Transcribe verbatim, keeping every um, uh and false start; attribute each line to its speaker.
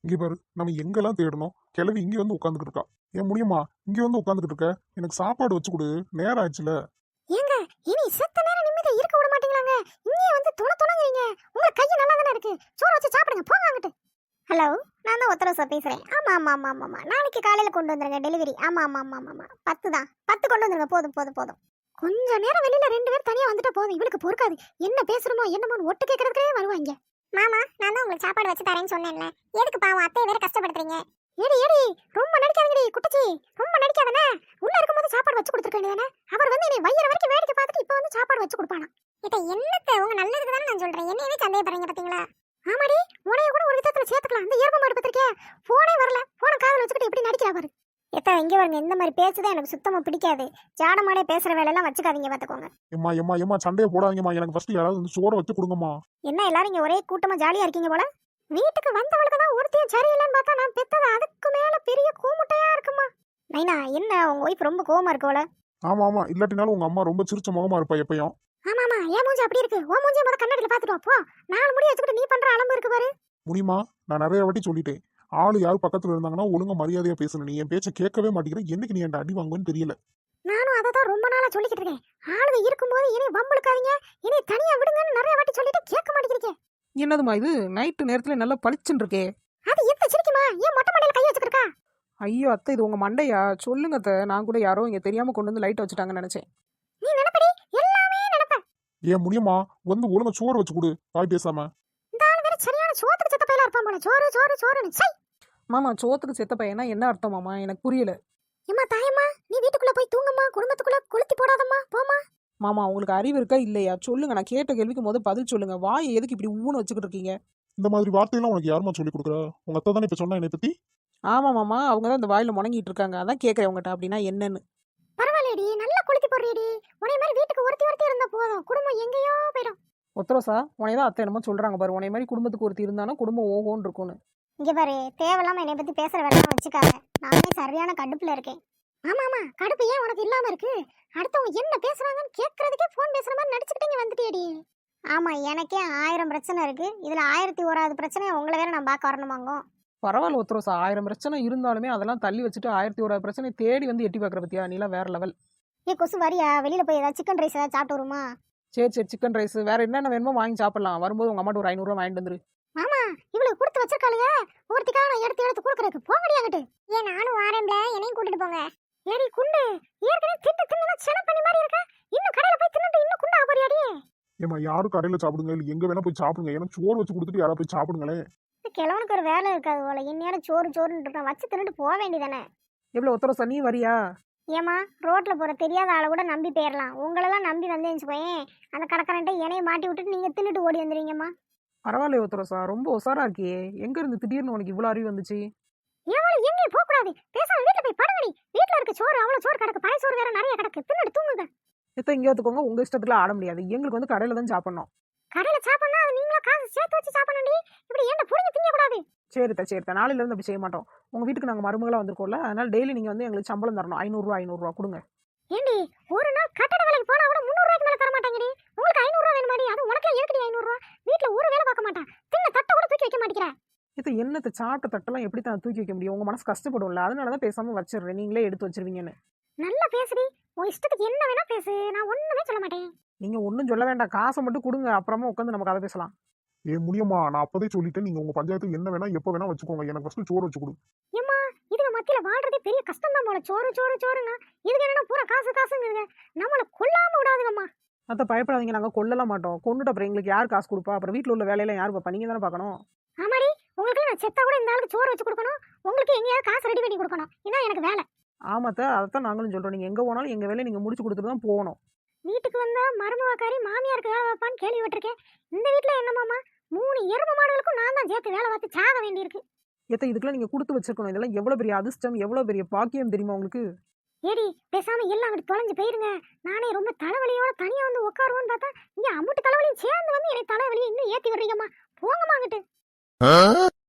Speaker 1: இங்க பாரு, நம்ம எங்கெல்லாம் தேடணும், கிளவி இங்க வந்து உட்காந்துக்கிட்டு இருக்கா. ஏன் முடியுமா? இங்க வந்து உட்காந்துக்கிட்டு இருக்க, எனக்கு சாப்பாடு வச்சு கொடு, நேரம் ஆச்சுல.
Speaker 2: ஏங்க இனி செத்த நேரம் நிம்மதியா இருக்க விட மாட்டீங்களாங்க? இங்கே வந்து துண துணங்குறீங்க. உங்க கை நல்லா தானே இருக்கு, சோறு வச்சு சாப்பிடுங்க, போங்க அங்கிட்டு. ஹலோ, நான் தான் உத்தரவு சார் பேசுறேன். ஆமா ஆமா ஆமா ஆமா ஆமா நாளைக்கு காலையில கொண்டு வந்துருங்க டெலிவரி. ஆமா ஆமா ஆமா ஆமா ஆமா பத்து தான், பத்து கொண்டு வந்துருங்க. போதும் போதும் போதும். கொஞ்ச நேரம் வெளியில ரெண்டு பேர் தனியா வந்துட்டா போதும். இவளுக்கு பொறுக்காது. என்ன பேசுறோமோ என்னமோன்னு ஒட்டு கேட்கறதுக்கே வருவாங்க. மாமா, நான் தான் உங்களுக்கு சாப்பாடு வச்சு தரேன்னு சொன்னேன்ல, எதுக்கு பாவம் அத்தையை வேற கஷ்டப்படுத்துறீங்க? ஏடி ஏடி, ரொம்ப நடிக்காதீங்கடி குட்டச்சி, ரொம்ப நடிக்காதனே. உள்ள இருக்கும்போது சாப்பாடு வச்சு கொடுத்துருக்க வேண்டியதானே? அவர் வந்து என்னை வயிறு வரைக்கும் வேடிக்கை பார்த்துட்டு இப்போ வந்து சாப்பாடு வச்சு கொடுப்பானா? இத என்னத்த உங்க நல்லதுக்கு தானே நான் சொல்றேன், என்னையவே சந்தேகப்படுறீங்க பாத்தீங்களா? ஆமாடி, உனைய கூட ஒரு விதத்துல சேர்த்துக்கலாம். அந்த ஏர்ம மாடு பத்திரிக்கே போனே வரல, போன காதுல வச்சுக்கிட்டு எப்படி நடிக்கிறா பாரு. எத்தா இங்க வருங்க, இந்த மாதிரி பேசுதான் எனக்கு சுத்தமா பிடிக்காது. ஜாடமாடே பேசுற வேலையெல்லாம் வச்சுக்காதீங்க பாத்துக்கோங்க.
Speaker 1: எம்மா எம்மா எம்மா சண்டையை போடாதீங்கம்மா, எனக்கு ஃபர்ஸ்ட் யாராவது வந்து சோறை வச்சு கொடுங்கம்மா.
Speaker 2: என்ன எல்லாரும் இங்க ஒரே கூட்டமா ஜாலியா இருக்கீங்க போல? வீட்டுக்கு வந்தவளுக்கு தான் ஒருத்தையும் சரியில்லைன்னு பார்த்தா நான் பெத்தது அதுக்கு மேல பெரிய கூமுட்டையா இருக்குமா? நைனா, என்ன உங்க ஒய்ஃப் ரொம்ப கோவமா இருக்கு போல?
Speaker 1: ஆமா ஆமா, இல்லாட்டினாலும் உங்க அம்மா ரொம்ப சிரிச்ச முகமா இருப்பா எப்பயும்.
Speaker 2: ஆமா ஆமா, ஏன் மூஞ்சி அப்படி இருக்கு? ஓ மூஞ்சி முத கண்ணாடியில பாத்துட்டு வா போ. நாலு முடி வச்சுக்கிட்டு நீ பண்ற அலம்பு இருக்கு பாரு.
Speaker 1: முடியுமா? நான் நிறைய வாட்டி சொல்லிட்டேன், ஆளு யாரு பக்கத்துல இருந்தாங்கன்னா ஒழுங்கா மரியாதையா பேசணும். நீ என் பேச்ச கேட்கவே மாட்டேங்கிற, என்னைக்கு நீ என்கிட்ட அடி வாங்குவேன்னு தெரியல.
Speaker 2: நானும் அதை தான் ரொம்ப நாளா சொல்லிக்கிட்டு இருக்கேன். ஆளுங்க இருக்கும்போது இனி வம்பளுக்காதீங்க, இனி தனியா விடுங்கன்னு நிறைய வாட்டி சொல்லிட்டு கேட்க மாட்டேங்கிறீங்க.
Speaker 3: என்னதுமா இது நைட்டு நேரத்துல நல்லா பளிச்சுன்னு இருக்கே?
Speaker 2: அது எத்த சிரிக்குமா? ஏன் மொட்டை மண்டையில கை வச்சுக்கிட்டு இருக்கா?
Speaker 3: ஐயோ அத்தை, இது உங்க மண்டையா? சொல்லுங்க அத்தை, நான் கூட யாரோ இங்க தெரியாம கொண்டு வந்து லைட் வச்சுட்டாங்கன்னு நினைச்சேன்.
Speaker 2: நீ நினைப்படி எல்லாமே நினைப்ப.
Speaker 1: ஏன் முடியுமா? வந்து ஒழுங்கா சோறு வச்சு கொடு, வாய் பேசாம.
Speaker 2: இந்த ஆளு வேற சரியான சோத்துக்கு செத்த பையலா இருப்பான் போல. சோறு சோறு சோறுன்னு சை.
Speaker 3: மாமா, சோத்துக்கு செத்த பையனா என்ன அர்த்தம் மாமா? எனக்கு புரியல.
Speaker 2: ஏம்மா தாயம்மா, நீ வீட்டுக்குள்ள போய் தூங்கம்மா, குடும்பத்துக்குள்ள கொளுத்தி போடாதம்மா, போமா.
Speaker 3: மாமா, உங்களுக்கு அறிவு இருக்கா இல்லையா? சொல்லுங்க, நான் கேட்ட கேள்விக்கு போது பதில் சொல்லுங்க. வாய் எதுக்கு இப்படி ஊன்னு வச்சுக்கிட்டு இருக்கீங்க?
Speaker 1: இந்த மாதிரி வார்த்தையெல்லாம் உனக்கு யாருமா சொல்லி கொடுக்குறா? உங்க அத்தை தானே இப்ப சொன்னா என்னை பத்தி.
Speaker 3: ஆமா மாமா, அவங்க தான் இந்த வாயில முணங்கிட்டு இருக்காங்க. அதான் கேட்கறேன் உங்ககிட்ட அப்படின்னா என்னன்னு.
Speaker 2: பரவாயில்லடி, நல்லா கொளுத்தி போடுறியடி. உன்னை மாதிரி வீட்டுக்கு ஒருத்தி ஒருத்தி இருந்தா போதும், குடும்பம் எங்கேயோ போயிடும்.
Speaker 3: ஒத்தரோசா, உனையதான் அத்தை என்னமோ சொல்றாங்க பாரு. உனைய மாதிரி குடும்பத்துக்கு ஒருத்தி இருந்தானா குடும்பம் ஓகோன்னு இருக்கும்னு.
Speaker 2: இங்க பாரு, தேவையில்லாம என்னை பத்தி பேசுற வேலை வச்சுக்காத. நானே சரியான கடுப்புல இருக்கேன். ஆமா ஆமா, கடுப்பு ஏன் உனக்கு இல்லாம இருக்கு? அடுத்தவங்க என்ன பேசுறாங்கன்னு கேட்கறதுக்கே போன் பேசுற மாதிரி நடிச்சுக்கிட்டு இங்க வந்துட்டியடி. ஆமா, எனக்கே ஆயிரம் பிரச்சனை இருக்கு. இதுல ஆயிரத்தி ஓராவது பிரச்சனையை உங்களை வேற நான் பார்க்க வரணுமாங்க?
Speaker 3: பரவாயில்ல ஒத்தரோசா, ஆயிரம் பிரச்சனை இருந்தாலுமே அதெல்லாம் தள்ளி வச்சுட்டு ஆயிரத்தி ஒரு பிரச்சனை தேடி வந்து எட்டி பார்க்குற பத்தியா? நீலாம் வேற லெவல்.
Speaker 2: ஏ கொசு, வரியா? வெளியில போய் ஏதாவது சிக்கன் ரைஸ் ஏதாவது சாப்பிட்டு வருமா?
Speaker 3: சரி சரி, சிக்கன் ரைஸ் வேற என்னென்ன வேணுமோ வாங்கி சாப்பிடலாம். வரும்போது உங்க அம்மாட்ட ஒரு ஐநூறுரூவா வாங்கிட்டு வந்துரு.
Speaker 2: மாமா, இவளுக்கு கொடுத்து வச்சிருக்காளுங்க, ஒருத்திக்காக நான் எடுத்து எடுத்து கொடுக்கறதுக்கு. போங்கடியாங்கட்டு. ஏன் நானும் வாரேன்ல, என்னையும் கூட்டிட்டு போங்க. ஏடி குண்டு, ஏற்கனவே திட்டு தின்னு சென பண்ணி மாதிரி இருக்க, இன்னும் கடையில போய் தின்னுட்டு இன்னும் குண்டா போறியாடி?
Speaker 1: ஏமா, யாரும் கடையில சாப்பிடுங்க, இல்ல எங்க வேணா போய் சாப்பிடுங்க, எனக்கு சோறு வச்சு கொடுத்துட்டு யாரா போய் சாப்பிடுங்களேன்.
Speaker 2: கிழவனுக்கு ஒரு வேலை இருக்காது போல, இந்நேரம் சோறு சோறுன்னு இருக்கான், வச்சு தின்னுட்டு போக வேண்டியதானே.
Speaker 3: எவ்வளோ ஒத்தரோசா, நீ வரியா?
Speaker 2: ஏமா, ரோட்ல போற தெரியாத ஆளை கூட நம்பி போயிடலாம். உங்களெல்லாம் நம்பி வந்தேன்னு போயேன், அந்த கடைக்காரன்ட்ட என்னைய மாட்டி விட்டுட்டு நீங்க தின்னுட்டு ஓடி வந்துடுவீங்கம்மா.
Speaker 3: பரவாயில்ல ஒத்தரோசா, ரொம்ப உசாரா இருக்கியே. எங்க இருந்து திடீர்னு உனக்கு இவ்வளோ அறிவு வந்துச்சு?
Speaker 2: ஏவாளும் எங்கேயும் போக கூடாது, பேசாம வீட்டுல போய் படுங்கடி. வீட்டுல இருக்க சோறு அவ்வளவு சோறு கிடக்கு, பாய் சோறு வேற நிறைய கிடக்கு, தின்னுட்டு தூங்குங்க.
Speaker 3: எத்த இங்கே வந்துக்கோங்க, உங்க இஷ்டத்துல ஆட முடியாது. எங்களுக்கு வந்து கடையில தான் சாப்பிடணும்.
Speaker 2: கடையில சாப்பிடணும், அது நீங்களா காசு சேர்த்து வச்சு சாப்பிடணும்டி. இப்படி என்ன புரிஞ்சு திங்க கூடாது.
Speaker 3: சரித்தா சரித்தா, நாளையில இருந்து அப்படி செய்ய மாட்டோம். உங்க வீட்டுக்கு நாங்க மருமகளா வந்திருக்கோம்ல, அதனால டெய்லி நீங்க வந்து எங்களுக்கு சம்பளம் தரணும். ஐநூறுரூவா ஐநூறுரூவா கொடுங்க.
Speaker 2: ஏண்டி, ஒரு நாள் கட்டட வேலைக்கு போனா கூட முந்நூறு ரூபாய்க்கு மேல தர மாட்டாங்கடி. உங்களுக்கு ஐநூறு ரூபா வேணுமாடி? அது உனக்கு இருக்குடி ஐநூறு ரூபா. வீட்டுல ஒரு வேலை பார்க்க மாட்டான், தின்ன தட்டை கூட தூக்கி வைக்க மாட்டேங்கிற.
Speaker 3: இது என்னத்தை சாப்பிட்ட தட்டெல்லாம் எப்படி தான் தூக்கி வைக்க முடியும்? உங்க மனசு கஷ்டப்படும்ல, அதனாலதான் பேசாம வச்சிடுறேன், நீங்களே எடுத்து வச்சிருவீங்கன்னு.
Speaker 2: நல்லா பேசுடி, உன் இஷ்டத்துக்கு என்ன வேணா பேசு, நான் ஒண்ணுமே சொல்ல மாட்டேன்.
Speaker 3: நீங்க ஒன்றும் சொல்ல வேண்டாம், காசை மட்டும் கொடுங்க, அப்புறமா உட்காந்து நம்ம கதை பேசலாம்.
Speaker 1: ஏன் முடியுமா? நான் அப்பதே சொல்லிட்டேன், நீங்க உங்க பஞ்சாயத்துக்கு என்ன வேணா எப்ப வேணா வச்சுக்கோங்க, எனக்கு ஃபர்ஸ்ட் சோறு வச்சு கொடு.
Speaker 2: ஏம்மா, இதுக்கு மத்தியில வாழ்றதே பெரிய கஷ்டம் தான் போல. சோறு சோறு சோறுங்க, இதுக்கு என்னன்னா பூரா காசு காசுங்கிறீங்க. நம்மள கொல்லாம விடாதுங்கம்மா.
Speaker 3: அதை பயப்படாதீங்க, நாங்க கொல்லலாம் மாட்டோம். கொண்டுட்டு அப்புறம் எங்களுக்கு யார் காசு கொடுப்பா? அப்புறம் வீட்டில் உள்ள வேலையெல்லாம் யார் பார்ப்பா? நீங்க தானே பார்க்கணும்.
Speaker 2: ஆமாடி, உங்களுக்கு நான் செத்தா கூட இந்த ஆளுக்கு சோறு வச்சு கொடுக்கணும், உங்களுக்கு எங்கேயாவது காசு ரெடி பண்ணி கொடுக்கணும். இதான் எனக்கு வேலை.
Speaker 3: ஆமாத்த, அதைத்தான் நாங்களும் சொல்றோம். நீங்க எங்க போனாலும் எங்க வேலையை நீங்க முடிச்சு கொடுத்துட்டு தான் போகணும்.
Speaker 2: வீட்டுக்கு வந்தா மருமவாக்காரி மாமியாருக்கு வேலை வைப்பான்னு கேள்விப்பட்டிருக்கேன். இந்த வீட்டுல என்னமாமா, மூணு எரும மாடுகளுக்கும் நான் தான் சேர்த்து வேலை பார்த்து சாக வேண்டியிருக்கு.
Speaker 3: எத்த இதுக்கெல்லாம் நீங்க கொடுத்து வச்சிருக்கணும். இதெல்லாம் எவ்வளவு பெரிய அதிர்ஷ்டம், எவ்வளவு பெரிய பாக்கியம் தெரியுமா உங்களுக்கு?
Speaker 2: ஏடி, பேசாம எல்லாம் அங்கிட்டு தொலைஞ்சு போயிருங்க. நானே ரொம்ப தலைவலியோட தனியா வந்து உட்காருவோன்னு பார்த்தா இங்க அம்முட்டு தலைவலியும் சேர்ந்து வந்து என்னை தலைவலியை இன்னும் ஏத்தி விடுறீங்கம்மா. போங்கம்மா அங்கிட்டு.